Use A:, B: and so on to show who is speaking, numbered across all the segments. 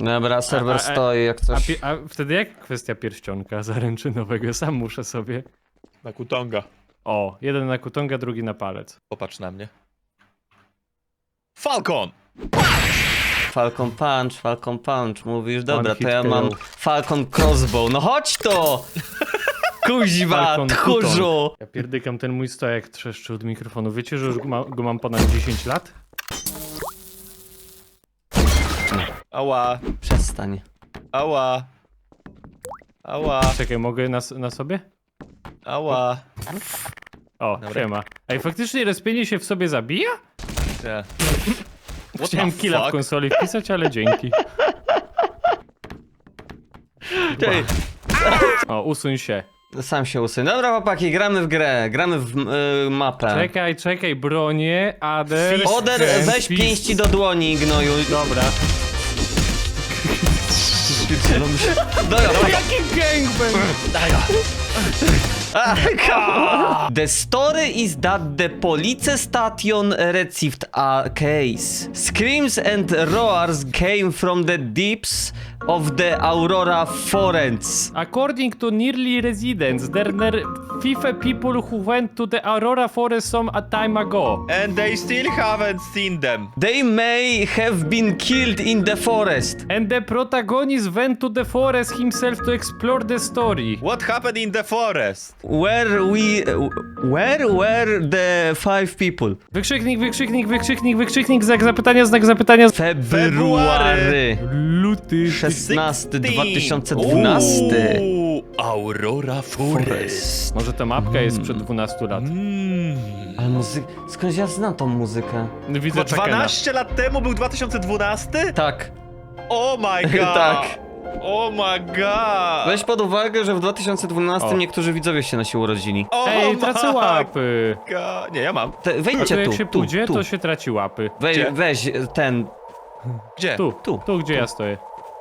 A: Dobra, serwer stoi jak coś.
B: A wtedy jak kwestia pierścionka zaręczynowego? Sam muszę sobie.
C: Na kutonga.
B: O, jeden na kutonga, drugi na palec.
C: Popatrz na mnie. Falcon!
A: Falcon Punch, mówisz? Dobra,
B: One
A: to ja
B: hit
A: mam
B: kill.
A: Falcon Crossbow. No chodź to! Kuźwa,
B: Falcon
A: tchórzu!
B: Ja pierdykam, ten mój stojak trzeszczy od mikrofonu. Wiecie, że już go mam ponad 10 lat?
C: Ała,
A: Przestań.
C: ała. Ała,
B: Czekaj, mogę na sobie?
C: ała.
B: O,
C: Dobra.
B: siema. Ej, faktycznie respienie się w sobie zabija?
C: Nie. What
B: Chciałem
C: the
B: killa w
C: fuck?
B: konsoli wpisać, ale dzięki.
A: Ej,
B: O, usuń się.
A: sam się usuń. Dobra, chłopaki, gramy w grę, gramy w mapę.
B: Czekaj, bronię, Ader...
A: Oder, weź
B: Fist.
A: pięści do dłoni, gnoju.
B: Dobra.
A: Dobra,
B: Jaki gangbang!
A: The story is that the police station received a case. Screams and roars came from the deeps of the Aurora Forest.
B: According to nearly residents, there were 5 people who went to the Aurora Forest some a time ago.
C: And they still haven't seen them.
A: They may have been killed in the forest.
B: And the protagonist went to the forest himself to explore the story.
C: What happened in the forest?
A: Where were the 5 people?
B: Wykrzyknik, znak zapytania.
A: February
B: Luty.
A: 16, 2012.
C: Aurora Forest.
B: Może ta mapka jest sprzed 12 lat.
A: Ale skąd ja znam tą muzykę?
B: Widzę
C: Bo
B: Czekena.
C: 12 lat temu był 2012?
A: Tak.
C: Oh my god!
A: Tak.
C: Oh my god!
A: Weź pod uwagę, że w 2012
B: O.
A: niektórzy widzowie się nasi urodzili.
C: Oh
B: Ej,
C: my
B: tracę łapy.
C: god. Nie, ja mam.
B: A tu
A: Wejdźcie
B: jak
A: tu,
B: się
A: tu,
B: pójdzie,
A: tu.
B: to się traci łapy.
C: Gdzie?
A: Weź ten...
C: Gdzie?
B: Tu, gdzie ja stoję.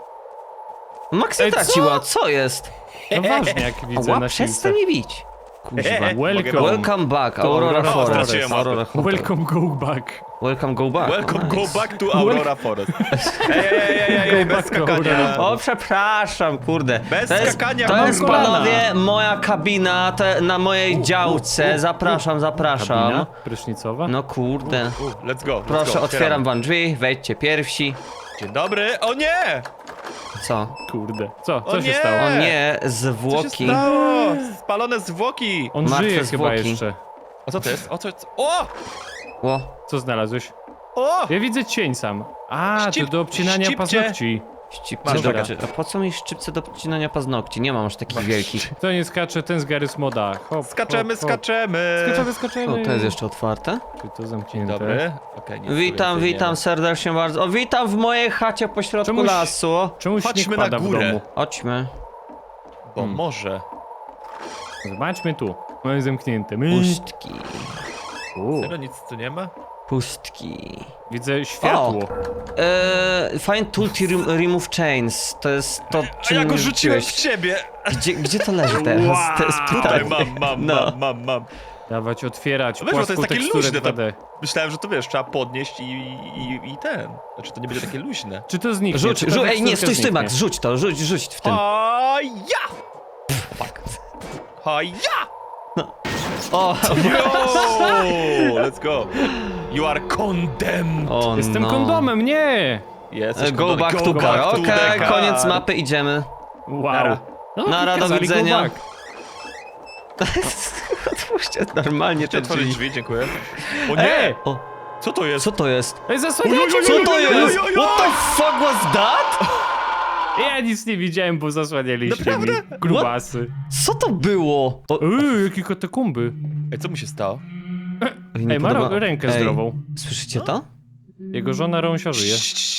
A: Maxi
B: Ej, co?
A: traciła, co jest?
B: No ważnie, jak widzę
A: Ała,
B: na
A: przestań
B: silce.
A: mi bić. Kuźwa.
B: Welcome.
A: Welcome back, Aurora
B: Aurora
A: Forest.
C: Forest.
A: Aurora Forest.
B: Welcome, go back.
A: Welcome, go back.
C: Welcome,
A: Nice.
C: go back to Aurora Forest. Ej,
B: Go
C: bez
B: back to
C: skakania.
B: Aurora.
A: O, przepraszam, kurde.
C: Bez
A: to jest,
C: skakania,
A: to
C: mam
A: jest,
B: kolana.
A: panowie, moja kabina na mojej działce. Zapraszam.
B: Kabina prysznicowa?
A: No kurde.
C: Let's go.
A: Proszę, otwieram wam drzwi, wejdźcie pierwsi.
C: Dzień dobry. O nie!
A: Co?
B: Kurde. Co
C: O
B: się
C: nie!
B: stało?
A: O nie,
C: Co się
A: zwłoki.
C: stało? Spalone zwłoki.
B: On
A: Martwe
B: żyje chyba
A: zwłoki.
B: jeszcze.
C: O co to jest? O co? O!
A: O,
B: Co znalazłeś?
C: O!
B: Ja widzę cień sam. A, to do obcinania
C: ścipcie.
B: paznokci.
A: szczypce
C: Masz
A: do...
C: taka.
A: A po co mi szczypce do obcinania paznokci? Nie mam aż takich wielkich.
B: Kto nie skacze, ten z Gary Smoda. Hop,
C: Skaczemy,
B: hop, hop.
C: skaczemy.
B: Skaczemy.
A: O, to jest jeszcze otwarte?
B: Czy to zamknięte?
C: Dobry. Okej, nic tu
A: Witam
C: więcej nie ma.
A: serdecznie bardzo. O, witam w mojej chacie pośrodku
B: Czemuś-
A: lasu.
B: Czemu
C: Chodźmy
B: śnieg
C: na
B: pada w
C: górę.
B: domu?
A: Chodźmy.
C: Bo może.
B: Zobaczmy tu. Mamy zamknięte.
A: Pustki.
C: Serio, nic tu nie ma?
A: Pustki.
B: Widzę światło.
A: Find tool to remove chains. To jest to,
C: A
A: czym
C: ja go
A: mi
C: rzuciłem w
A: rzuciłeś.
C: ciebie.
A: Gdzie to leży teraz? To jest
C: Tutaj
A: pytanie.
C: mam.
A: No.
B: Dawać, otwierać,
C: No wiesz, bo to jest
B: płaską
C: takie
B: teksturę
C: luźne, to-
B: 2D.
C: Myślałem, że to wiesz, trzeba podnieść i ten. Znaczy to nie będzie takie luźne.
B: Czy to zniknie?
A: Rzuć,
B: Czy ta
A: ej, nie,
B: teksturka
A: stój, Max,
B: zniknie?
A: rzuć to, rzuć w tym.
C: A ja! A ja!
A: O,
C: Yo! Let's go. You are condemned.
A: o
B: Jestem
A: no.
B: kondomem, nie!
C: Jesteś
A: Go
C: kondomem.
A: back to car.
C: back to
A: Okej,
C: the car.
A: koniec mapy, idziemy.
B: Wow.
C: Nara.
B: No,
A: Nara, do
B: kazali go
A: widzenia.
B: back.
A: Otwórzcie normalnie te
C: Otworzyć
A: drzwi.
C: drzwi, dziękuję. O nie!
B: Ej!
A: O,
C: Co to jest?
A: co to jest?
B: Ej, zasłaniacie
A: Co
B: mnie!
A: to jest? What the fuck was that?
B: Ja nic nie widziałem, bo zasłanialiście mi.
C: Naprawdę?
B: Grubasy.
A: Co to było? O,
B: Jakie katakumby.
C: Ej, co mu się stało?
A: nie
B: Ej, ma
A: podoba-
B: rękę
A: Ej,
B: zdrową.
A: Słyszycie to?
B: Jego żona Rąsia żyje.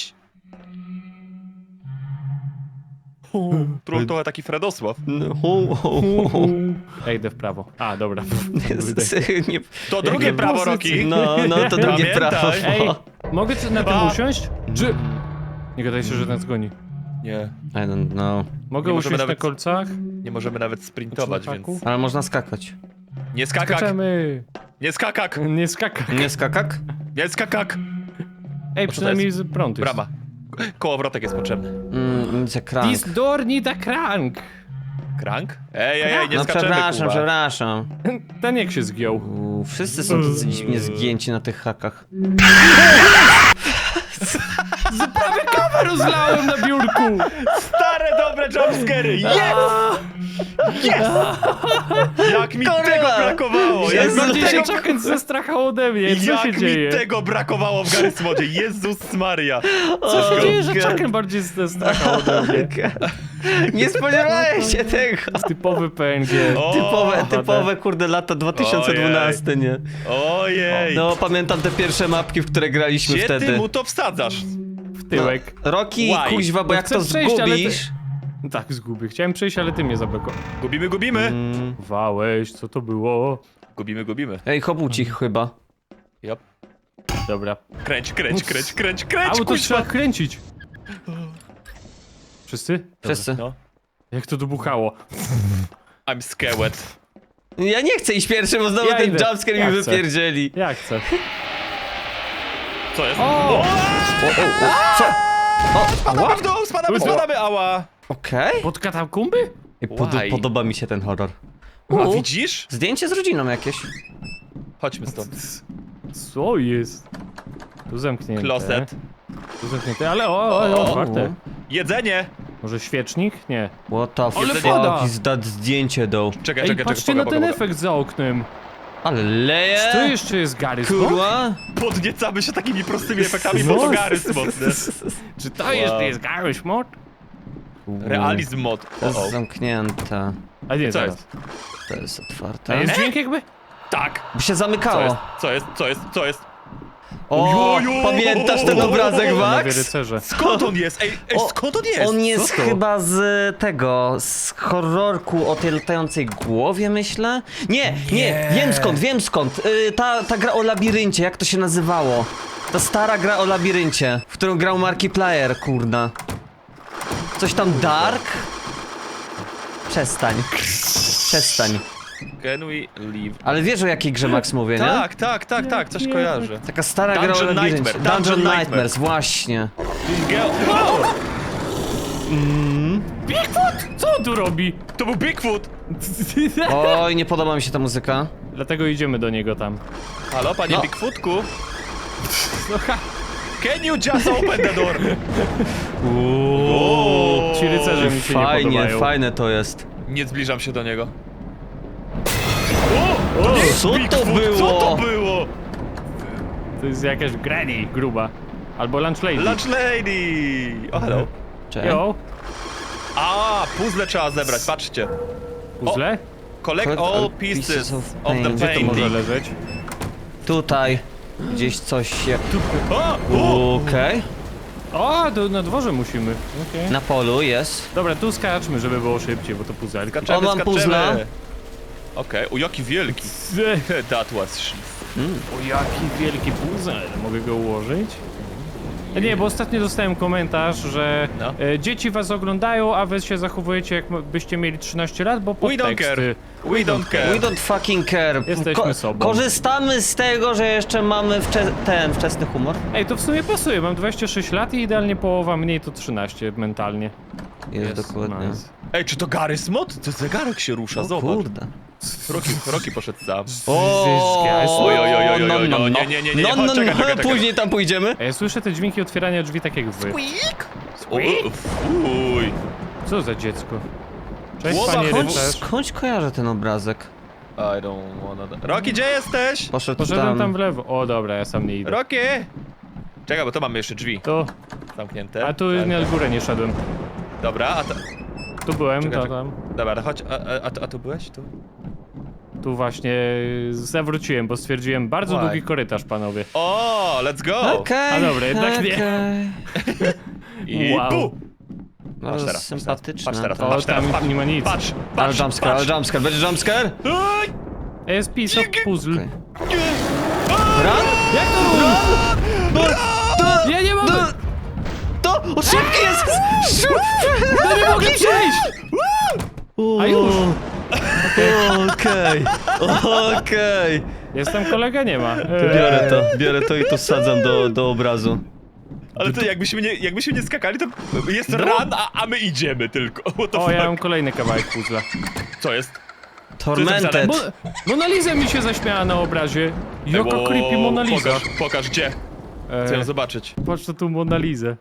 C: Trochę taki Fredosław.
A: No,
B: Ej, idę w prawo. A, dobra.
A: Nie,
C: To drugie
B: Jakie
C: prawo,
B: pozycje.
C: Roki.
A: no, to drugie
C: Pamiętaj.
A: prawo.
B: Ej, mogę na tym
C: A.
B: usiąść? Czy... Nie gadaj się, że nas goni.
C: Nie,
A: I don't know.
B: Mogę
C: Nie możemy
B: usiąść na
C: nawet-
B: kolcach?
C: nie możemy nawet sprintować,
B: Znaczy,
C: więc...
A: Ale można skakać.
C: Nie skakak!
B: Skaczemy!
C: Nie skakak!
B: Nie skakak.
A: Nie skakak?
C: Nie skakak!
B: Ej,
C: to
B: przynajmniej
C: jest?
B: prąd jest.
C: Brama. Kołowrotek jest potrzebny.
A: Nic jak krank.
B: This door need a crank.
C: Krank? Ej, nie
A: No
C: skaczemy,
A: przepraszam,
C: Kuba.
A: przepraszam.
B: Ten jak się zgiął.
A: Wszyscy są tacy dziwnie zgięci na tych hakach.
B: Prawie kawę rozlałem na biurku.
C: Stare, dobre jumpscary! Jest! Jest! Jak mi
A: Koryla!
C: tego brakowało! Jak
A: Jezu,
C: mi
B: Bardziej się
C: tego,
B: Chucken zestrachał ode mnie. Co się
C: jak
B: dzieje?
C: mi tego brakowało w Garry's Modzie! Jezus Maria!
B: Co się dzieje, że
A: God.
B: Chucken bardziej zestrachał ode mnie?
A: Nie spodziewałem się tego.
B: Typowy PNG.
C: O,
A: Typowe kurde lata 2012, nie?
C: Ojej!
A: No pamiętam te pierwsze mapki, w które graliśmy
C: Gdzie
A: wtedy.
C: ty mu to wsadzasz?
B: W tyłek.
A: Roki,
C: Why?
A: kuźwa, bo
B: No
A: jak
B: chcę
A: to
B: przejść, ale ty-
A: zgubisz...
B: No tak, zgubię. Chciałem przejść, ale ty mnie zablokowałeś.
C: Gubimy!
B: Wałeś, co to było?
C: Gubimy.
A: Ej, hobucich chyba.
C: Yep.
B: Dobra.
C: Kręć,
B: Auto
C: kuźwa!
B: trzeba kręcić. Wszyscy?
A: Wszyscy.
C: No.
B: Jak to dobuchało?
C: I'm scared.
A: Ja nie chcę iść pierwszy, bo znowu
B: Ja
A: ten
B: idę.
A: jumpscare
B: Ja
A: mi
B: chcę.
A: wypierdzieli.
B: Jak chcę?
C: Co jest?
B: O!
A: Co?
C: Spadamy w dół, spadamy, ała!
A: Okej.
B: Pod katakumby?
C: Why?
A: Podoba mi się ten horror.
C: A widzisz?
A: Zdjęcie z rodziną jakieś.
C: Chodźmy stąd.
B: Co jest? Tu zamknięte.
C: Kloset.
B: Tu zamknięte, ale otwarte.
C: Jedzenie!
B: Może świecznik? Nie.
A: What the
B: Ale
A: fuck
B: woda!
A: is that zdjęcie do...
C: Czekaj,
B: Ej, patrzcie na ten efekt za oknem.
A: Ale leje!
B: Czy to jeszcze jest Garry's Mod?
A: Kurwa!
C: Podniecamy się takimi prostymi efektami,
B: No.
C: bo to Garry's Mod, nie?
B: Czy to jeszcze jest Garry's Mod?
C: Realizm mod.
A: To jest zamknięte.
B: A nie,
C: Co
B: zaraz.
C: jest?
A: To jest
B: A
A: otwarte.
B: jest dźwięk jakby?
C: Tak!
A: By się
C: Co
A: zamykało.
C: jest? Co jest?
A: O,
C: Ojojo!
A: pamiętasz ten obrazek,
B: Panowie
A: Max?
B: rycerze.
C: Skąd on jest? Ej,
A: O,
C: skąd on jest?
A: On jest
B: Co to?
A: chyba z tego, z horrorku o tej latającej głowie, myślę? Nie, wiem skąd. Ta gra o labiryncie, jak to się nazywało? Ta stara gra o labiryncie, w którą grał Markiplier, kurna. Coś tam Dark? Przestań.
C: Can we leave?
A: Ale wiesz o jakiej grze Max mówię, nie?
C: Tak, coś kojarzę.
A: Taka stara gra o
C: Dungeon
A: labiryncie.
C: Nightmare,
A: Dungeon
C: Dungeon
A: Nightmares, właśnie.
B: Bigfoot! Co on tu robi?
C: To był Bigfoot!
A: Oj, nie podoba mi się ta muzyka.
B: Dlatego idziemy do niego tam.
C: Halo, panie
A: No.
C: Bigfootku?
B: No ha!
C: Can you just open the door?
B: Ci rycerze mi się nie
A: Fajnie,
B: podobają.
A: fajne to jest.
C: Nie zbliżam się do niego.
A: Co to
C: Bigfoot,
A: było?
C: Co to było?
B: To jest jakaś granny gruba. Albo lunch lady.
C: Lunch lady! O, hello.
A: Cześć.
B: Yo,
C: A, puzzle trzeba zebrać, patrzcie.
B: puzzle?
C: Collect all pieces of the
A: paint.
B: Gdzie to może
C: painting.
B: leżeć?
A: Tutaj. Gdzieś coś się...
C: O!
A: Okej.
B: O, na dworze musimy. Okej.
A: Na polu jest.
B: Dobra, tu skaczmy, żeby było szybciej, bo to puzelka.
C: Skaczemy,
A: O, mam
C: skaczemy.
A: puzzla.
C: Okej, o jaki wielki. That was shit.
B: O, jaki wielki puzzle. Mogę go ułożyć? Nie, bo ostatnio dostałem komentarz, że
C: No.
B: dzieci was oglądają, a wy się zachowujecie jakbyście mieli 13 lat, bo
C: We don't
B: podteksty.
C: care. We don't care.
A: We don't fucking care.
B: Jesteśmy sobą.
A: Korzystamy z tego, że jeszcze mamy ten wczesny humor.
B: Ej, to w sumie pasuje, mam 26 lat i idealnie połowa mniej to 13 mentalnie.
A: Jest dokładnie.
B: Nice.
C: Ej, czy to Garry's Mod? To zegarek się rusza,
A: O
C: zobacz.
A: kurde.
C: Roki poszedł sam.
B: Oj,
C: oj, nie, czekaj.
A: Później tam pójdziemy.
B: A ja słyszę te dźwięki otwierania drzwi tak jak wy.
C: Uj.
B: Co za dziecko? Cześć,
C: Łoba,
B: panie
C: chodź.
B: rycerz.
A: Skądś kojarzę ten obrazek.
C: I don't wanna... Roki, gdzie jesteś?
B: Poszedłem tam w lewo. O dobra, ja sam nie idę.
C: Roki! Czekaj, bo to mamy jeszcze drzwi
B: Tu,
C: zamknięte.
B: a tu na górę nie szedłem.
C: Dobra, a to...
B: Tu byłem,
C: Czekaj,
B: to tam.
C: Dobra, chodź, a tu byłeś? Tu?
B: Tu właśnie zawróciłem, bo stwierdziłem bardzo
C: Why?
B: długi korytarz, panowie.
C: O, let's go!
A: Okej.
B: A dobra, jednak nie.
A: okej.
C: I
B: Wow.
C: bu!
A: Bardzo
C: teraz,
A: sympatyczne.
C: patrz teraz,
B: O,
C: patrz teraz,
B: tam
C: patrz,
B: nie ma nic.
C: patrz,
A: Ale
C: patrz,
A: jumpscare, ale
C: patrz.
A: jumpscare. Będzie jumpscare?
C: Oj!
B: Jest piece of puzzle.
A: Okej. Run?
B: Jak to Ja nie mogę!
A: To! O, szybki jest!
B: No nie mogę przejść! A już!
A: Okej.
B: Jestem, kolega nie ma.
A: Biorę to i to wsadzam do obrazu.
C: Ale to jakbyśmy nie skakali, to jest run, a my idziemy tylko. What the
B: O,
C: fuck?
B: ja mam kolejny kawałek puzzla.
C: Co jest?
A: Tormented.
B: Mona Lisa mi się zaśmiała na obrazie. Jaka creepy Mona Lisa.
C: Pokaż gdzie. Chcę ją zobaczyć.
B: Patrz to tu Mona Lisę.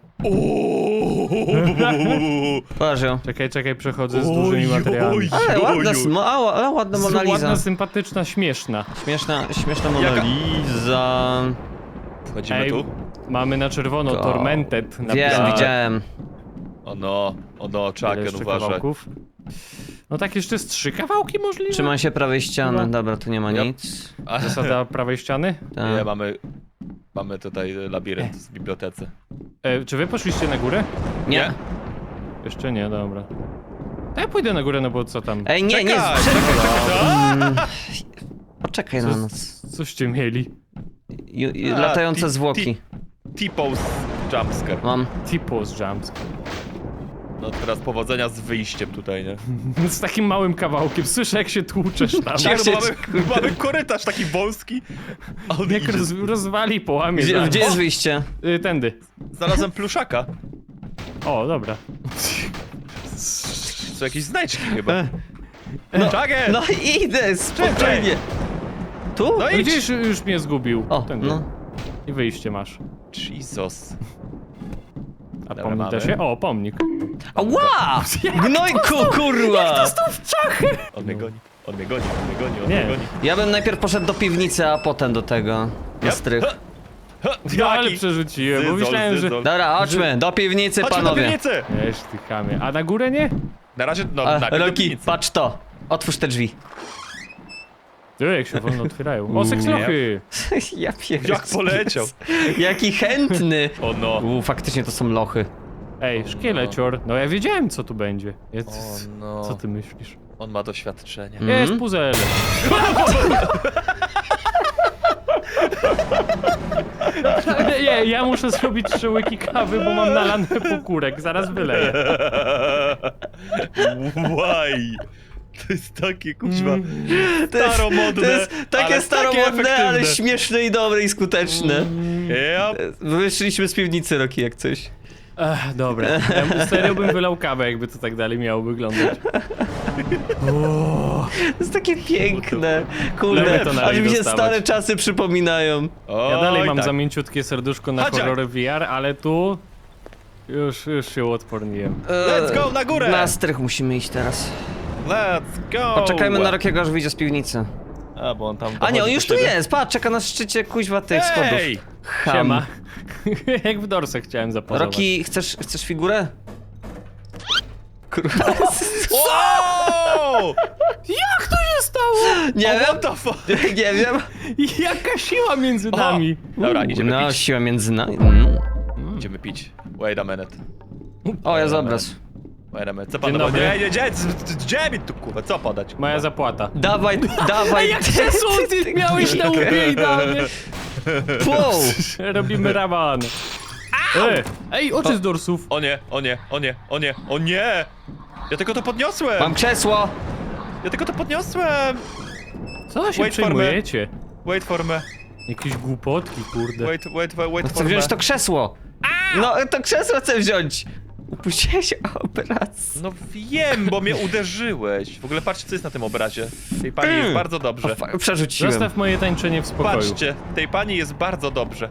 A: Patrz ją.
B: Czekaj, przechodzę z dużymi materiałami.
A: Ale ładna Mona Lisa.
B: Ładna, sympatyczna, śmieszna.
A: Śmieszna Mona
C: Jaka?
A: Lisa.
C: Wchodzimy tu.
B: Mamy na czerwono
A: Go.
B: Tormented.
A: Wiem,
B: napisane.
A: widziałem.
C: O no,
B: Ile
C: Chucken,
B: jeszcze
C: uważaj.
B: kawałków? No tak, jeszcze z 3 kawałki możliwe?
A: Trzymaj się prawej ściany.
B: Chyba.
A: Dobra, tu nie ma
C: Yep.
A: nic.
B: Zasada prawej ściany?
A: Tak.
C: Nie, mamy tutaj labirynt w bibliotece.
B: Czy wy poszliście na górę?
A: Nie.
B: Jeszcze nie, dobra. To ja pójdę na górę, no bo co tam?
A: Ej, nie,
C: Czekaj,
A: czekaj. Poczekaj na nas.
B: Coście mieli?
A: Latające zwłoki.
C: T-pose jumpscare.
A: Mam.
B: T-pose jumps.
C: No teraz powodzenia z wyjściem tutaj, nie?
B: Z takim małym kawałkiem. Słyszę, jak się tłuczesz tam.
C: Tak, bo mamy korytarz taki wąski. A on
B: Jak
C: idzie.
B: rozwali, połamie.
A: Gdzie,
B: zaraz.
A: gdzie jest wyjście?
B: Tędy.
C: Znalazłem pluszaka.
B: O, dobra.
C: Są jakieś znajdźki chyba. Chucken!
A: No idę, spokojnie. Tu?
C: No
B: No
C: idź!
B: gdzieś już mnie zgubił.
A: O,
B: Tędy.
A: no.
B: I wyjście masz.
C: Jesus.
B: A
C: Dobra,
B: pomnik da
C: mamy.
B: się? O, pomnik.
A: Ała! Gnojku, kurwa!
C: On mnie goni, on mnie goni,
B: Nie.
A: Ja bym najpierw poszedł do piwnicy, a potem do tego. Na strych.
B: Ja ale przerzuciłem, bo myślałem, że...
A: Dobra, chodźmy, do piwnicy,
C: Chodźmy do
A: panowie.
C: piwnicy!
B: Wiesz, ty chamie. A na górę nie?
C: Na razie, no,
A: A,
C: najpierw do
A: Roki,
C: piwnicy.
A: patrz to. Otwórz te drzwi.
B: Ty, jak się wolno otwierają. O, sekslochy!
A: Ja pierdolę.
C: Jak poleciał.
A: Jaki chętny.
C: O no.
A: Faktycznie to są lochy.
B: Ej, szkielecior. No ja wiedziałem, co tu będzie.
C: O no.
B: Co ty myślisz?
C: On ma doświadczenie.
B: Jest puzzle. Nie, ja muszę zrobić 3 łyki kawy, bo mam nalany pokórek. Zaraz wyleję.
C: Why? To jest takie, kuźwa,
A: To jest
C: staromodne,
A: takie
C: ale
A: staromodne,
C: takie
A: ale
C: efektywne.
A: śmieszne i dobre i skuteczne.
C: Yep.
A: Wyszliśmy z piwnicy, Roki, jak coś.
B: Dobra. Ja serio bym wylał kawę, jakby to tak dalej miało wyglądać.
A: To jest takie piękne. Kurde,
B: Lubię to na
A: aż mi się
B: dostawać.
A: stare czasy przypominają.
B: Ja dalej
C: Oj,
B: mam
C: tak.
B: za mięciutkie serduszko na
C: Chodź,
B: horrory VR, ale tu... Już się uodporniłem.
C: Let's go na górę!
A: Na strych musimy iść teraz.
C: Let's go!
A: Poczekajmy na Rokiego, aż wyjdzie z piwnicy.
C: A, bo on tam
A: A nie, on
C: dochodzi
A: już
C: do
A: tu
C: siebie.
A: jest, patrz, czeka na szczycie kuźwa tych schodów.
C: Ej!
A: Ham.
B: Siema. Jak w Dorse chciałem zapozować.
A: Roki, chcesz figurę? Kurwa.
C: Wow!
B: Jak to się stało?
A: Nie wiem,
C: What the fuck?
A: nie wiem.
B: Jaka siła między nami?
C: Dobra, idziemy
A: No,
C: pić.
A: siła między nami.
C: Idziemy pić. Wait a minute.
A: O, jest obraz.
C: Wait a minute. Co
B: Dzień
C: pan
B: dobry.
C: Gdzie mi tu, kurwa, co podać?
B: Moja zapłata.
A: Dawaj, dawaj.
B: Jak krzesło ty miałeś na łbie idealnie.
A: Wow.
B: Robimy raban. Ej, oczy z dorsów.
C: O nie, o nie, o nie, o nie, o nie! Ja tylko to podniosłem!
A: Mam krzesło.
C: Ja tylko to podniosłem!
B: Co się
C: Wait for me.
B: przejmujecie?
C: Wait for me.
B: Jakieś głupotki, kurde.
C: Wait
A: Chcę
C: for me.
A: wziąć to krzesło. No, to krzesło chcę wziąć. Upuściłeś obraz.
C: No wiem, bo mnie uderzyłeś. W ogóle patrzcie, co jest na tym obrazie. Tej pani jest bardzo dobrze.
A: Przerzuciłem.
B: Zostaw moje tańczenie w spokoju.
C: Patrzcie, tej pani jest bardzo dobrze.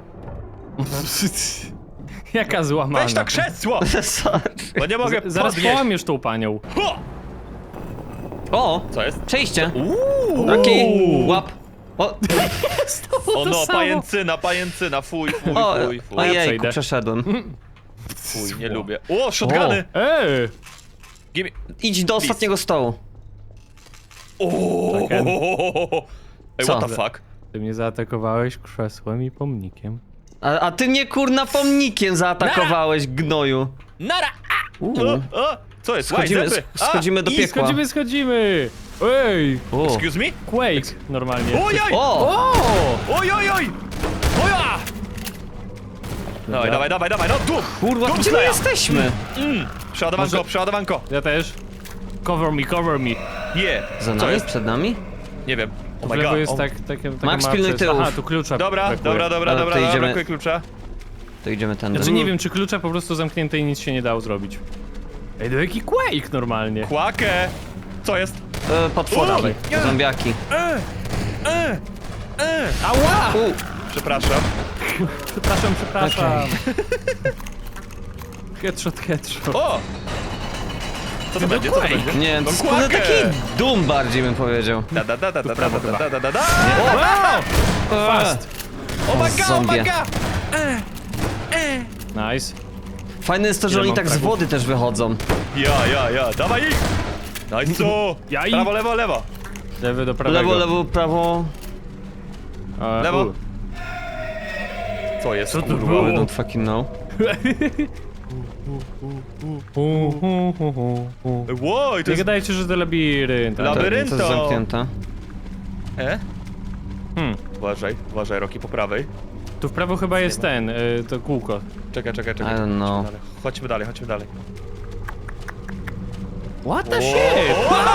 B: Jaka złamana.
C: Weź to krzesło!
A: Sorry.
C: Bo nie mogę
B: Zaraz
C: podnieść.
B: połamiesz tą panią.
C: Ho!
A: O,
C: Co jest?
A: przejście.
C: Uuu!
A: Roki, łap. O,
C: O no,
B: samo.
C: pajęcyna, fuj.
A: ojejku,
B: przejdę.
A: przeszedłem.
C: Fuj, nie lubię. O, shotguny!
B: Ej!
C: Gimme.
A: Idź do ostatniego stołu.
C: O!
B: Chucken.
C: Ej,
A: Co?
C: what the fuck?
B: Ty mnie zaatakowałeś krzesłem i pomnikiem.
A: A ty mnie kurna pomnikiem zaatakowałeś, gnoju.
C: Nara!
A: Uuu.
C: O! Co jest?
A: Schodzimy,
C: Łaj, zęby!
A: schodzimy do
C: i
A: piekła.
B: Schodzimy! Ej!
A: O.
C: Excuse me?
B: Quake! Normalnie.
C: Ojoj!
A: O!
C: Ojojoj! Oja! Dawaj, no tu!
A: Kurwa,
C: Tu
A: gdzie my
C: kleja.
A: jesteśmy?
C: Przeładowanko, przeładowanko!
B: Ja też. Cover me.
C: Yeah!
A: Za
C: Co
A: nami?
C: jest?
A: Przed nami?
C: Nie wiem.
B: Tu
C: Oh
B: w
C: my
B: lewo
C: god.
B: jest
C: O.
B: takie
A: Max,
B: małe
A: pilnuj
B: przejście.
A: tyłów.
B: Aha, tu klucza
C: Dobra,
B: brakuje.
C: dobra,
A: to idziemy.
C: brakuje klucza.
A: To idziemy tędy.
B: Znaczy nie wiem, czy klucza po prostu zamknięte i nic się nie dało zrobić. Ej, to jaki Quake normalnie.
C: Kłakę! Co jest?
A: Potworki,
C: nie.
A: zombiaki.
B: Ała!
C: Przepraszam.
B: Przepraszam. Headshot.
C: O! Co to będzie? Co to
B: Quake.
C: będzie?
A: Nie wiem, to
C: No
A: jest kurde
C: kłakę.
A: taki Doom bardziej bym powiedział.
C: Da da da da da da da da da da da.
B: Fast.
C: Oh my god, oh my
A: Zombie.
C: god!
B: Nice.
A: Fajne jest to, że
B: Ile
A: oni
B: mam
A: tak z
B: fragów?
A: wody też wychodzą.
C: Ja, dawaj ich! Nice!
B: Ja i-
C: Prawo, lewo, lewo.
B: Lewy do prawego.
A: Lewo, prawo.
C: Lewo. Co jest,
B: Co to
C: kurwa?
B: było?
A: I don't fucking know.
C: Wow, i to
B: Nie
C: jest...
B: gadajcie, że to labirynt.
C: Labirynt.
A: To jest zamknięte.
C: Uważaj, Roki, po prawej.
B: Tu w prawo chyba jest ten, to kółko.
C: Czekaj.
A: I don't know.
C: Chodźmy dalej.
B: What the shit?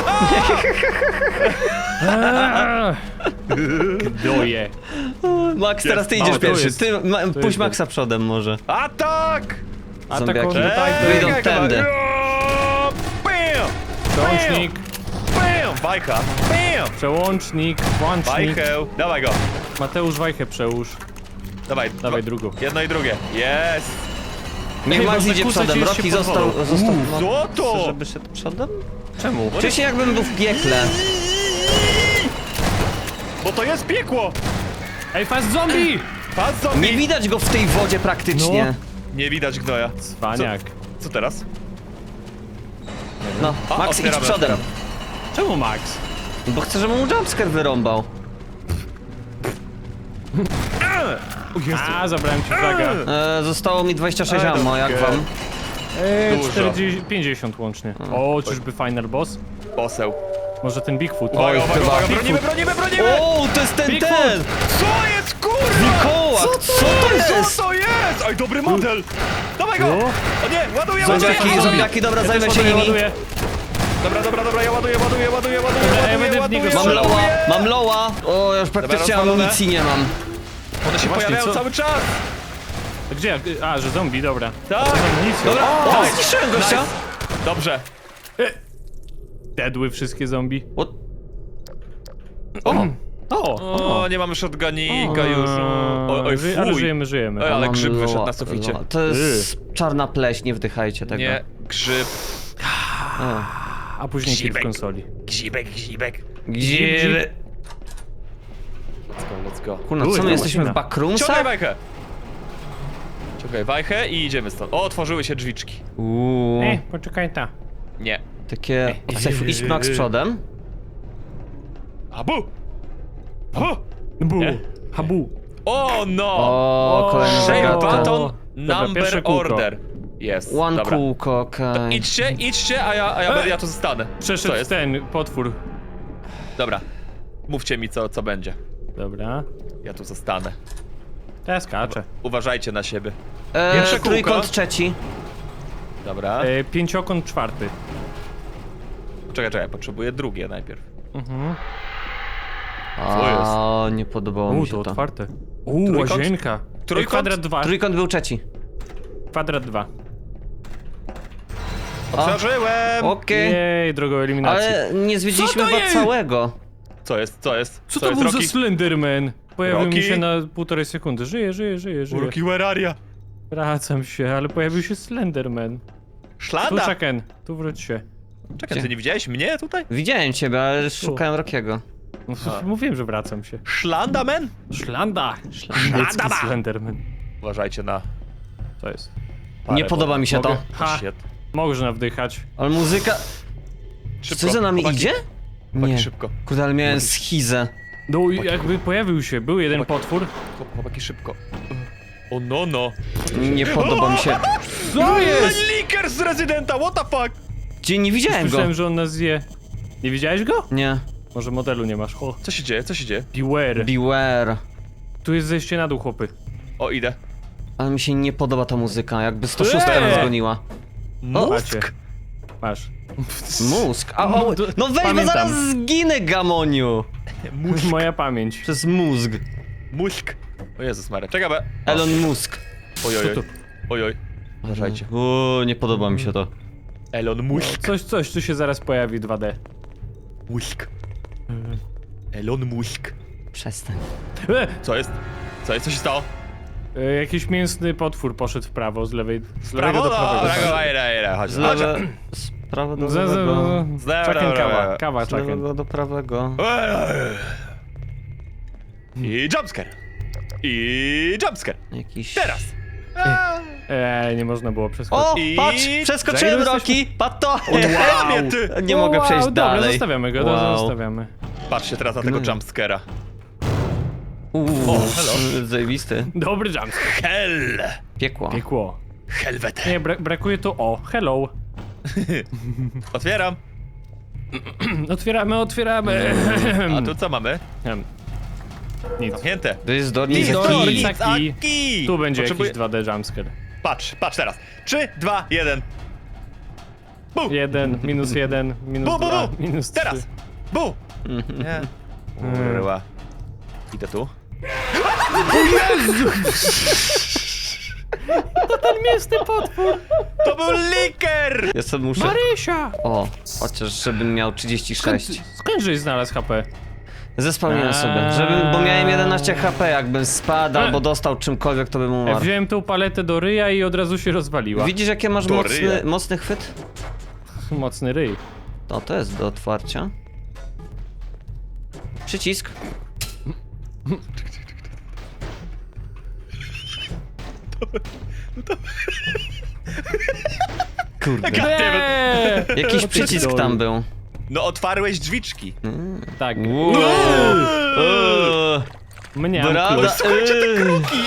B: Gdoje.
A: Max, teraz ty idziesz
B: tu
A: pierwszy.
B: jest.
A: Ty, puść
B: jest
A: Maxa przodem może.
C: Atak!
A: Zombiaki.
B: Atak.
A: Wyjdą tędy.
C: Bam!
B: Przełącznik,
C: Bam! Wajcha! Bam!
B: przełącznik, włącznik.
C: Wajchę! Dawaj go!
B: Mateusz Wajchę przełóż.
C: Dawaj
B: drugą.
C: Jedno i drugie. Jest!
A: Niech
B: Ej,
A: Max
B: można
A: idzie
B: kłócać
A: przodem.
B: się
A: Rocky
B: pod
A: został...
B: wodą.
A: no,
C: Co to?
A: chcesz, żeby szedł przodem?
B: Czemu?
A: Czuję się jakbym był w piekle.
C: Bo to jest piekło!
B: Ej, fast zombie!
C: Pas zombie!
A: Nie widać go w tej wodzie praktycznie.
B: No.
C: Nie widać gnoja.
B: Cwaniak.
C: Co teraz?
A: No,
C: A,
A: Max idź
C: otwieramy,
A: przodem.
C: otwieram.
B: Czemu Max?
A: Bo chcę, żeby mu jumpscare wyrąbał.
B: A, zabrałem ci flaga.
A: Zostało mi 26
C: I don't
A: ammo, jak
C: care.
A: wam?
C: Dużo.
B: 40, 50 łącznie. O, czyżby final boss?
C: Poseł.
B: Może ten Bigfoot?
C: Uwaga,
A: chyba.
C: bronimy!
A: O, to jest ten!
C: Co jest, kurwa?
A: Wilkołak, co to jest?
C: Co to jest? Oj, dobry model! Dawaj go!
B: No.
C: O nie, ładuję!
A: Zombiaki, dobra,
B: Ja
A: zajmę
B: też
A: się nimi.
B: ładuję.
C: Dobra, ja ładuję.
B: ja będę w niego
A: Mam loła. O, ja już praktycznie
C: rozwalone.
A: amunicji nie mam.
C: One się
B: Właśnie,
C: pojawiają
B: co?
C: cały czas!
B: Gdzie? A, że zombie, dobra.
C: Tak!
B: Dobra.
A: O, zniszczyłem gościa.
C: Dobrze.
B: Dedły wszystkie zombie.
A: What?
C: O, nie mamy shotgunika już. Oj,
B: Ale
C: fuj.
B: żyjemy.
C: Ej, ale
A: Mam
C: grzyb wyszedł
A: loła,
C: na suficie.
A: loła. To jest czarna pleś, nie wdychajcie tego.
C: Nie, grzyb.
B: A później kill w
C: Grzybek.
B: konsoli.
C: Gzibek.
A: Gdzie?
C: Let's go.
A: Kurna,
B: Uj,
A: co my
B: to
A: jesteśmy w
B: maszyna.
C: Ciągaj
A: backroomsach?
C: wajchę! Ciągaj wajchę i idziemy stąd. O, otworzyły się drzwiczki.
B: Poczekaj ta.
C: Nie.
A: Takie... Idź Max przodem.
C: Abu!
B: Bu.
C: Nie?
B: Habu.
C: O, no!
A: O, kolejny
C: Shape
A: zagadka.
C: button,
B: Dobra,
C: number
B: pierwsze kółko.
C: order. Jest,
A: One
C: dobra.
A: kółko, okej.
C: Idźcie, a ja tu zostanę. Co
B: Przeszedł
C: jest?
B: ten potwór.
C: Dobra. Mówcie mi, co będzie.
B: Dobra.
C: Ja tu zostanę.
B: Teraz skaczę.
C: Uważajcie na siebie. Pierwsze kółko.
A: Trójkąt trzeci.
C: Dobra.
B: Pięciokąt czwarty.
C: Czekaj, potrzebuję drugie najpierw.
A: O, nie podobało mi
B: To
A: się to.
B: otwarte.
C: Trójkąt?
B: Łazienka.
C: Trójkąt?
B: Kwadrat 2.
A: Trójkąt był trzeci.
B: Kwadrat 2.
C: Otworzyłem!
A: Okej.
B: Jej, drogą eliminacji.
A: Ale nie zwiedziliśmy
B: Co to
A: chyba
B: jest?
A: całego.
C: Co jest?
B: Co to
C: jest,
B: był za
C: Rocky?
B: Slenderman? Pojawił
C: Rocky?
B: mi się na 1,5 sekundy. Żyję.
C: Rocky, where are you?
B: Wracam się, ale pojawił się Slenderman. Tu
C: Szlanda!
B: Chucken, tu wróć się.
C: Czekaj, ty nie widziałeś mnie tutaj?
A: Widziałem ciebie, ale szukałem Rockiego.
B: No, mówiłem, że wracam się.
C: Szlanda, man?
B: Szlanda! Szlandecki Slenderman.
C: Uważajcie na...
B: To jest.
A: Nie podoba mi się to.
B: Mogę? Ha,
C: Shit.
B: można wdychać.
A: Ale muzyka...
C: Szybko,
A: Co za nami
C: chłopaki,
A: idzie?
C: Chłopaki,
A: Nie.
C: szybko.
A: Kurde, ale miałem schizę.
B: No i jakby pojawił się, był jeden potwór.
C: Chłopaki, szybko. O no.
A: Nie podoba mi się.
B: Co jest?
C: Liker z Residenta, what the fuck?
A: Gdzie nie widziałem go?
B: Słyszałem, że on nas zje. Nie widziałeś go?
A: Nie.
B: Może modelu nie masz. O,
C: Co się dzieje?
B: beware.
A: Beware.
B: Tu jest zejście na dół, chłopy.
C: O, idę.
A: Ale mi się nie podoba ta muzyka, jakby 106 nas goniła.
B: Macie. Masz.
A: Mózg. No weź, bo
B: Pamiętam.
A: zaraz zginę, Gamoniu.
B: Moja pamięć.
A: Przez mózg.
C: Mózg. O Jezus Maria, czekaj,
A: Elon Musk.
C: Ojoj.
B: Co to?
C: Ojoj. Uważajcie.
A: Nie podoba mi się to.
C: Elon Musk.
B: Coś tu się zaraz pojawi 2D.
C: Musk. Elon Musk.
A: Przestań.
C: Co jest? Co jest? Co się stało?
B: Jakiś mięsny potwór poszedł w prawo, z lewego
C: Prawo?
B: do prawego.
C: Dobra, chodź.
A: Z lewe... Z prawa do lewego.
B: Czaken kawa, kawa
A: Z
B: czaken.
A: lewego do prawego.
C: I jumpscare. I jumpscare.
A: Jakiś...
C: Teraz.
B: Nie można było
A: O,
B: przeskoczyć.
C: I-
A: patrz! Przeskoczyłem
B: Za ile
A: Roki! Patrz to!
C: Wow. Ty.
A: Nie mogę przejść
B: Dobra,
A: dalej.
B: zostawiamy go,
A: Wow.
B: zostawiamy.
C: Patrzcie teraz na tego
A: Gnoju.
C: jumpscare'a.
A: Uuu,
C: hello.
A: zajebisty.
B: Dobry jumpscare.
C: Hell.
A: Piekło.
B: Piekło.
C: Helwete.
B: Nie, brakuje tu o. Hello.
C: Otwieram.
B: Otwieramy.
C: A tu co mamy?
B: Nic.
C: Zamknięte.
A: To jest do
B: Nic,
A: nic.
B: do
A: Kij.
B: nic. Taki.
C: Taki.
B: Tu będzie
C: Potrzebuję-
B: jakiś 2D jumpscare.
C: Patrz teraz. 3, 2, 1. Bu!
B: 1, minus 1, minus
C: Bu, bu,
B: 2,
C: bu!
B: minus 3.
C: Teraz! Bu! Nie. Kurwa. Idę tu.
B: Ten mięsny potwór!
C: To był liker!
A: Ja sobie muszę...
B: Marysia!
A: O, chociaż żebym miał 36.
B: Skąd żeś znalazł HP?
A: Zespałniłem sobie, bo miałem 11 HP, jakbym spadł albo dostał czymkolwiek, to bym
B: Ja
A: umarł.
B: wziąłem tą paletę do ryja i od razu się rozwaliła.
A: Widzisz, jakie masz
C: Do ryja.
A: mocny chwyt?
B: Mocny ryj.
A: No, to jest do otwarcia. Przycisk. Kurde. Jakiś przycisk tam był.
C: No otwarłeś drzwiczki.
B: Tak. Mnie.
A: Brada.
C: Słuchajcie, te kruki!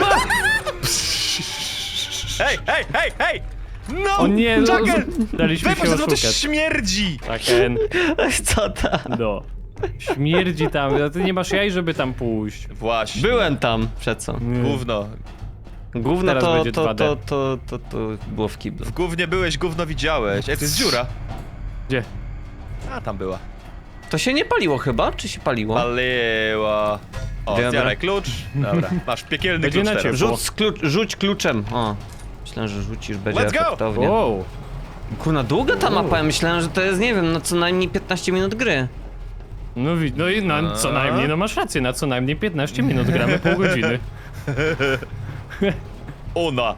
C: Hej! No!
B: O nie, no,
C: Jagger!
B: daliśmy się
C: Wypuść, bo to
B: oszukać.
C: śmierdzi!
B: Taken.
A: Co tam?
B: No. Śmierdzi tam, a ty nie masz jaj, żeby tam pójść.
C: Właśnie.
A: Byłem tam, przed co?
C: Gówno.
A: Gówno
B: Teraz będzie 2D.
A: to było w kiblu.
C: W gównie byłeś, gówno widziałeś. Ej, to jest dziura.
B: Gdzie?
C: A, tam była.
A: To się nie paliło chyba? Czy się paliło?
C: Paliła. O,
A: Dobra.
C: zjaraj klucz. Dobra, masz piekielny
B: Będzie
C: klucz
B: na
C: teraz.
B: ciebie.
A: Rzuć kluczem. O. Myślałem, że rzucisz, będzie
C: Let's go!
A: efektownie.
B: Wow.
A: Kurna, długa ta mapa, ja myślałem, że to jest, nie wiem, no co najmniej 15 minut gry.
B: No i na co najmniej, no masz rację, na co najmniej 15 minut gramy pół godziny.
C: Ona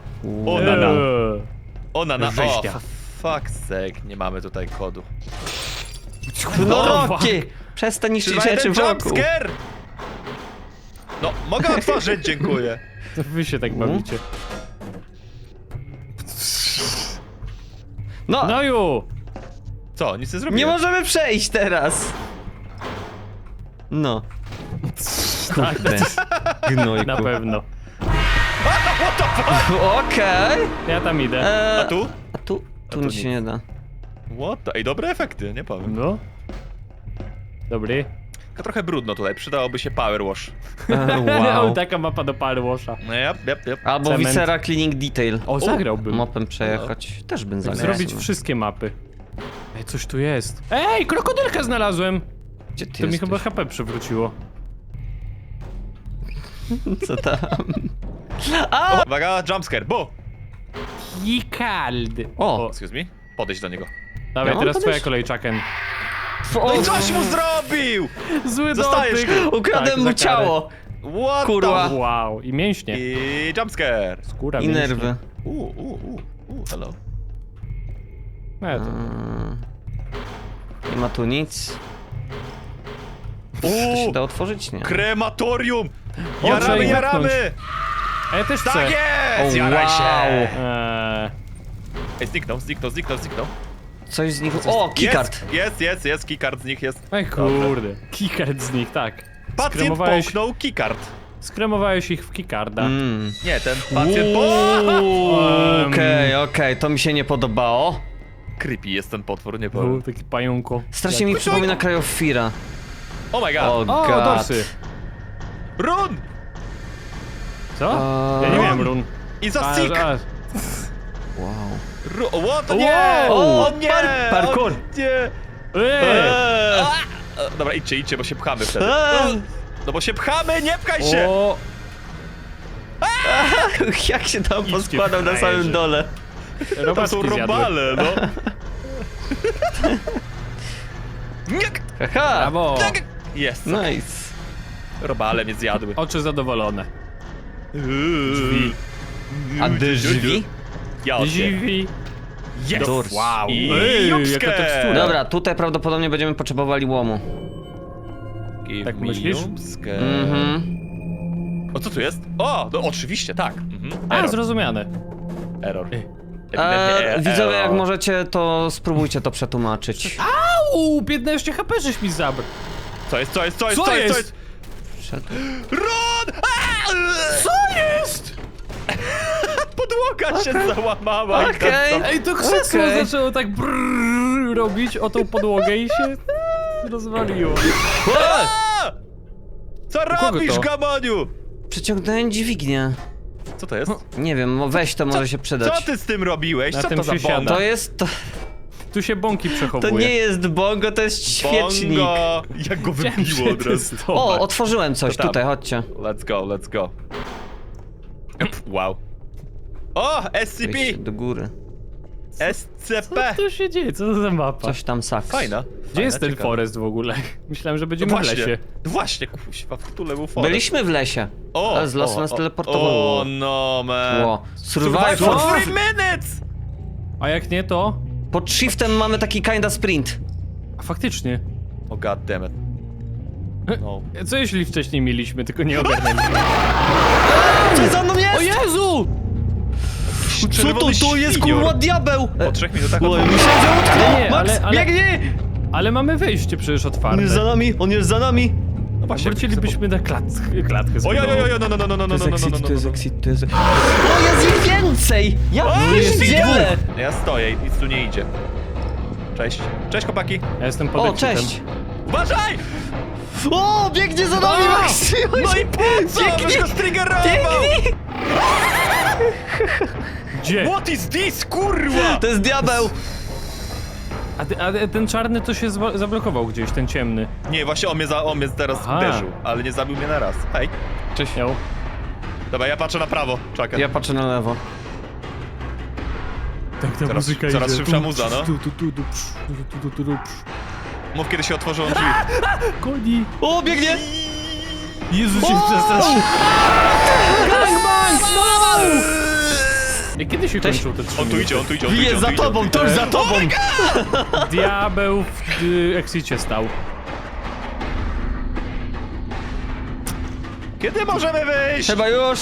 C: na. O,
B: Rzeźnia.
C: fuck sake, nie mamy tutaj kodu.
A: No
B: fuck.
A: Rocky! Przestań niszczyć
C: Trzymaj
A: rzeczy
C: ten
A: wokół.
C: jumpscare! No, mogę otworzyć, dziękuję.
B: To wy się tak bawicie.
A: No,
B: No ju!
C: Co, nic nie
A: nie
C: zrobiłem.
A: możemy przejść teraz. No. Kurde. Gnojku.
B: Na pewno.
A: Okej.
B: Ja tam idę.
C: A tu?
A: A tu? Tu
C: tu
A: nic się
C: nic.
A: nie da.
C: What the... Ej, dobre efekty, nie powiem.
B: No. Dobry.
C: Tylko trochę brudno tutaj, przydałoby się power wash.
A: Wow.
B: Taka mapa do Palwosza.
C: No, yep.
A: Albo
B: Cement.
A: Viscera Cleaning Detail.
B: O, zagrałbym.
A: Mopem przejechać. Też bym zagrał.
B: Zrobić wszystkie mapy. Ej, coś tu jest. Ej, krokodylkę znalazłem!
A: Gdzie ty
B: To mi
A: jesteś?
B: chyba HP przywróciło.
A: Co tam?
C: Uwaga, jumpscare, bu!
B: Jikald.
A: O!
C: Excuse me? Podejdź do niego.
B: Dawaj,
A: Ja mam
B: teraz twoja
A: podejść?
B: kolej, Chucken.
C: No i coś mu zrobił!
B: Zły
C: Zostajesz
B: dotyk.
C: tu.
A: Ukradłem
B: Tak,
A: mu
B: za karę.
A: ciało!
C: What
A: Kurwa.
C: the...
B: Wow, i mięśnie.
C: I jumpscare.
B: Skóra,
A: I
B: mięśnie.
A: nerwy.
C: Hello.
A: Nie ma tu nic. To się da otworzyć? Nie.
C: Krematorium!
B: O, trzeba ich
C: Jaramy!
B: A ja też chcę.
C: Tak jest!
A: O,
C: Jaraj się!
A: wow.
C: Ej, zniknął.
A: Coś z nich... O, keycard!
C: Jest, keycard z nich jest.
B: Ej, kurde. Keycard z nich, tak.
C: Pacjent połknął keycard.
B: Skremowałeś ich w keycarda.
C: Nie, ten pacjent
A: Okej, to mi się nie podobało.
C: Creepy jest ten potwór, nie
B: O,
C: powiem.
B: taki pająko.
A: Strasznie mi przypomina Cry of Fear.
C: Oh my god!
A: O,
B: O,
A: god.
B: dorsy.
C: Run!
B: Co? Ja nie miałem run.
C: I za sick!
A: Wow.
C: What? O nie!
A: Wow.
C: O nie!
A: Parkour.
C: O nie! Dobra, idźcie, bo się pchamy wtedy. No bo się pchamy, nie pchaj się!
B: O,
A: Jak się tam
B: Idźcie
A: poskładał na
B: frajerzy.
A: samym dole.
C: Tam
B: Robaczki
C: są
B: zjadły.
C: robale, no. Nie!
A: Haha!
B: Brawo!
C: Jest.
A: Nice.
C: Robale mnie zjadły.
B: Oczy zadowolone.
C: Drzwi.
A: A drzwi?
C: Ja otwieram.
B: Dziwi.
C: Jest.
A: Doors.
C: Wow. I
B: Ej,
C: jupskę.
B: jaka tekstura.
A: Dobra, tutaj prawdopodobnie będziemy potrzebowali łomu.
C: Give
B: Tak
C: me
B: myślisz?
C: jupskę.
A: Mhm.
C: O, co tu jest? O, no oczywiście, tak. Mhm.
B: A,
C: Error.
B: zrozumiane.
C: Error.
A: Widzowie, jak
C: Error.
A: możecie, to spróbujcie to przetłumaczyć.
B: Au, 15 HP żeś mi zabrał.
C: Co jest?
A: Przed...
C: Run! Co jest? Podłoga się załamała. i
A: Okej.
C: tam-
B: Ej, to krzesło
A: Okej.
B: zaczęło tak brrrr robić o tą podłogę i się rozwaliło.
C: A! Co
B: kogo
C: robisz,
B: to?
C: Gamoniu?
A: Przeciągnąłem dźwignię.
C: Co to jest?
A: Nie wiem, weź to, może się przydać.
C: Co ty z tym robiłeś?
B: Na
C: Co
B: tym
C: to za
B: się siada.
C: bonda?
A: To jest...
B: Tu się bąki
A: To
B: przechowuje.
A: nie jest bongo, to jest świecznik.
C: Bongo. Jak go
B: Chciałem
C: wybiło od razu.
B: przetestować.
A: O, otworzyłem coś,
C: To tam.
A: tutaj, chodźcie.
C: Let's go, let's go. Wow. O, SCP!
A: Wejście do góry.
B: Co
C: SCP!
B: tu się dzieje? Co to za mapa?
A: Coś tam saks.
C: Fajna.
B: Gdzie jest ten
C: ciekawa.
B: forest w ogóle? Myślałem, że
C: No
B: będziemy w
C: właśnie,
B: lesie.
C: no właśnie, kuźwa, w Tule był forest.
A: Byliśmy w lesie. Ale z lasu nas teleportowało.
C: O, no, man.
A: Ło.
C: Survive
A: Survival.
C: for 3 minutes!
B: A jak nie, to...
A: Pod shiftem mamy taki kinda sprint.
B: A faktycznie.
C: O, god damn it. No.
B: Co jeśli wcześniej mieliśmy, tylko nie ogarnęliśmy?
A: Co za mną
B: O
A: jest?
B: Jezu!
A: Co to?
C: Czerwony
A: To jest
C: świnior.
A: kurwa diabeł!
C: Po 3 minutach
A: Oj,
C: od...
A: myślałem, że utknął!
B: Nie,
A: Max,
B: ale-
A: biegnij!
B: Ale mamy wejście przecież
A: On
B: otwarte.
A: jest za nami, on jest za nami!
C: No właśnie,
B: Wrócilibyśmy na klatkę
C: Oj, oj, oj, oj, no, no, no, no, no,
A: To
C: no,
A: jest
C: no, no,
A: exit,
C: no,
A: to jest
C: no.
A: exit, to jest... O, jest ich więcej! Ja
C: jest
A: pierdzielę!
C: Ja stoję, nic tu nie idzie. Cześć. Cześć, chłopaki.
B: Ja jestem pod
A: O,
B: exitem.
A: cześć!
C: Uważaj!
A: O, biegnie za nami,
C: A!
A: Max!
C: No i po co?
A: Biegnij!
C: Byś go striggerował!
A: Biegnij!
B: Gdzie?
C: What is this, kurwa?
A: To jest diabeł!
B: A ten czarny to się zablokował gdzieś, ten ciemny.
C: Nie, właśnie on mnie teraz
B: Aha.
C: uderzył, ale nie zabił mnie na raz. Hej.
A: Cześć.
B: Miał.
C: Dobra, ja patrzę na prawo. Czekaj.
A: Ja patrzę na lewo.
B: Tak, ta
C: Coraz-
B: muzyka
C: coraz
B: idzie.
C: szybsza muza, no.
B: Tu.
C: Mów, kiedy się otworzą drzwi.
B: Koni.
A: O, biegnie!
B: Jezu się przestraszył. Gangbang! No! I kiedy się
A: Cześć.
B: kończył te 3
C: On tu idzie, on tu idzie, on tu idzie.
A: Jest
C: on
A: za
C: tu idzie,
A: tobą,
C: on tu
A: to już
C: idzie.
A: za tobą!
B: Diabeł w exicie stał.
C: Kiedy możemy wyjść?
A: Chyba już!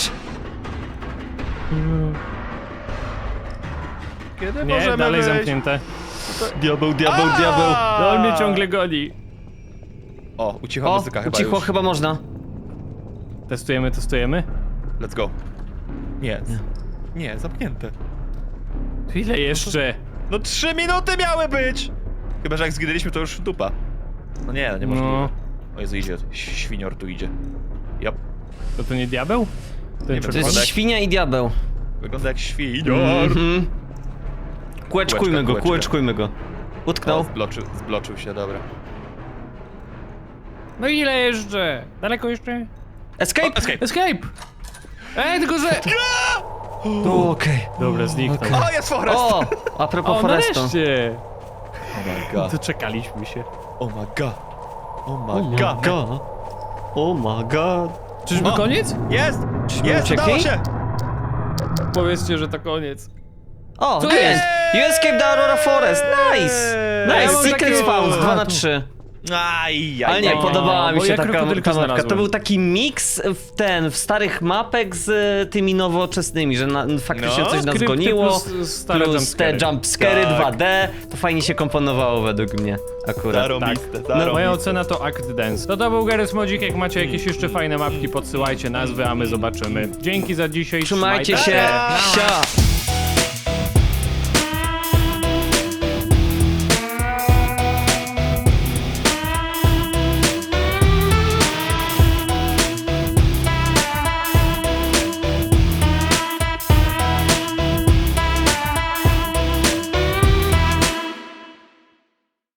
C: Kiedy
B: Nie,
C: możemy
B: dalej
C: wyjść?
B: zamknięte.
A: Diabeł, diabeł,
C: A!
A: diabeł!
B: No on mnie ciągle goni.
C: O, ucichła
A: O,
C: muzyka chyba
A: ucichło,
C: już.
A: chyba można.
B: Testujemy.
C: Let's go. Nie. Nie, zamknięte.
B: To ile jeszcze?
C: No 3 minuty miały być! Chyba, że jak zginęliśmy, to już dupa. No nie, no niemożliwe.
B: No.
C: O Jezu, idzie. Świnior tu idzie. Yep.
B: To nie diabeł?
C: Nie
B: Ten
C: wiem,
A: To
C: Wygląda
A: jest
C: jak-
A: świnia i diabeł.
C: Wygląda jak świnior.
A: Mhm. Kółeczkujmy go,
C: Kółeczka.
A: kółeczkujmy go. Utknął.
C: Zbloczył się, dobra.
B: No ile jeszcze? Daleko jeszcze?
A: Escape!
C: Escape!
B: Escape! Ej, tylko że...
A: O, okej.
B: Dobra, zniknął.
C: O, jest forest!
A: O, a propos
B: O,
A: forestu.
B: nareszcie!
C: Oh my god.
B: Doczekaliśmy się.
C: Oh my god. Oh
A: Oh
C: my
A: my
C: god.
A: god. Oh my god.
B: Czyżby
C: O!
B: koniec?
C: Jest!
A: Czyśmy
C: Jest,
A: uciekli?
C: udało się!
B: Powiedzcie, że to koniec.
A: O,
B: Co
A: the
B: jest?
A: end. You escaped the Aurora Forest. Nice!
B: Ja
A: Nice,
B: mam
A: secret
B: takiego-
A: spawns, 2 na
B: tu.
A: 3.
C: Aj,
A: Ale nie,
C: aj.
A: podobała mi
B: bo
A: się
B: ja
A: taka
B: krokodylka
A: mapka. To
B: znalazłem.
A: był taki miks w starych mapek z tymi nowoczesnymi, że faktycznie
C: No,
A: coś nas
B: Skrypty
A: goniło.
B: plus stare
A: Plus te
B: jumpscary.
A: jumpscary
C: Tak.
A: 2D. To fajnie się komponowało według mnie akurat.
C: Zarąbiste,
B: No,
C: zarąbiste.
B: moja ocena to Act Dance. To był Garry's Modzik, jak macie jakieś jeszcze fajne mapki, podsyłajcie nazwy, a my zobaczymy. Dzięki za dzisiaj,
A: Trzymajcie się.
C: Nara!
A: Sia!